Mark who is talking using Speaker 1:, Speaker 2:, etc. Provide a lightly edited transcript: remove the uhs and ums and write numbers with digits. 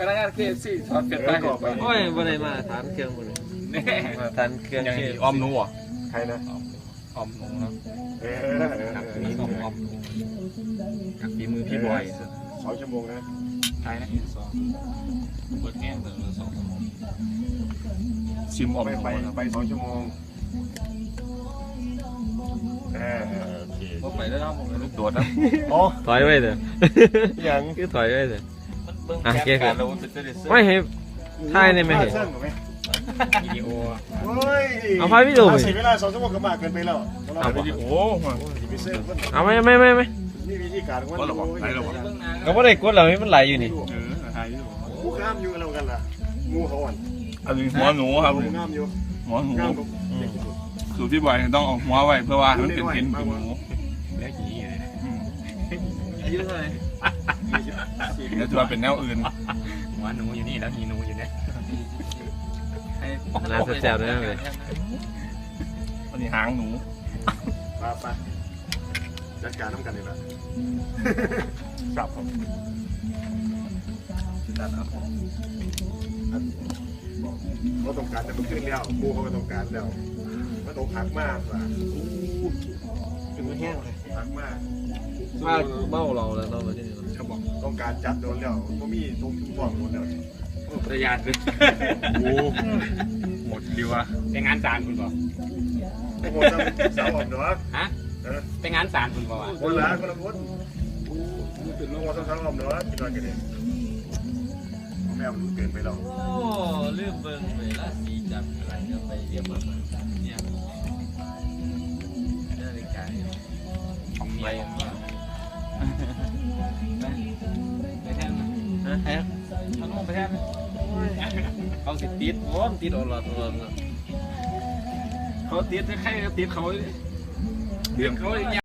Speaker 1: นักงาน KFC ถอดเป็ดไป
Speaker 2: โอ้ยบ่ได้มาทานเครื่องบ่ได้มาทานเครื่อง
Speaker 3: อย่างอ้อมหนูอ่ะ
Speaker 4: ใครนะ
Speaker 3: อ้อมหนูเนาะ
Speaker 4: มี
Speaker 3: อ้อมจากฝีมือพี่บอย
Speaker 4: 2 ชั่วโมงนะ
Speaker 3: ใช่นะเปิดแง่เลย2 ชั่วโมงชิมออก
Speaker 4: ไป2 ชั่วโมงโอเค
Speaker 1: ไปแล้วเนาะ
Speaker 3: ลูกโดดนะ
Speaker 4: อ๋อ
Speaker 2: ถอยไว้เถอะ
Speaker 4: ยัง
Speaker 2: คือถอยไว้เถอะ
Speaker 3: อ่ะเกี่ยวกับเรา
Speaker 2: ไม่ให้ถ่ายได้ไหมเห็น
Speaker 3: วิดีโอ
Speaker 2: เอาพายวิดีโอไป
Speaker 4: เสียเวลา2 ชั่วโมงก็มากเกินไปแล้ว
Speaker 3: เอาวิดีโอ
Speaker 2: เอาไม่
Speaker 4: นี่วิธีการว่า
Speaker 3: ก็ระวังไหนระวัง
Speaker 2: ก็ไม่ได้กดเรามันไหลอยู่นี่
Speaker 4: งูข้ามอยู่แล้วกันล่ะงูเขาอ่อน
Speaker 3: อันนี้หัวหนูครับ
Speaker 4: งูข้ามอยู่
Speaker 3: หัวหนูสูตรพี่บอยต้องเอาหัวไว้เพื่อว่ามันเป็นเห็นหนู
Speaker 1: แล้วกี่อายุเท่าไหร่
Speaker 3: แล้วจะมาเป็นแนวอื่น
Speaker 1: หัวหนูอยู่นี่แล้วมีหนูอยู่เนี่ย
Speaker 2: น่าแซ่บๆเลย
Speaker 3: อันนี้หางหนู
Speaker 4: ไปจัดการน้ำกันเลยนะ
Speaker 3: จับผม
Speaker 4: จัดเอาเขาต้องการแต่มันขึ้นแล้วงูเขาก็ต้องการแล้วมันต้องหักมากว่ะ
Speaker 1: ถึงมันแห้งเลย
Speaker 4: หักมาก
Speaker 2: เมาเราแล้วเราที่นี่
Speaker 4: เขาบอกต้องการจัดโดนแล้วก็มีตรงฝ่องหมดแล้ว
Speaker 1: ประหยัดเลย
Speaker 3: หมดดีวะ
Speaker 1: ไปงานศาลคุณบอก
Speaker 4: โอ้โหสาวออกเนาะ
Speaker 1: ฮะไปงานศาลคุณบอก
Speaker 4: คนละคนตื่นลงมาสาวออกเนาะกินนอนกันเองแม่มันเกินไปแล้ว
Speaker 2: โอ้ลืมเบิ่งเวลาสีจับอะไรก็ไปเรียบร้อยเนี่ยนาฬิกา
Speaker 1: ของเมียไปแทนนะแทนเขาลงไปแทนเขาติดติดอลอดเขาติดใครติดเขา
Speaker 3: เรื่อง
Speaker 1: เขา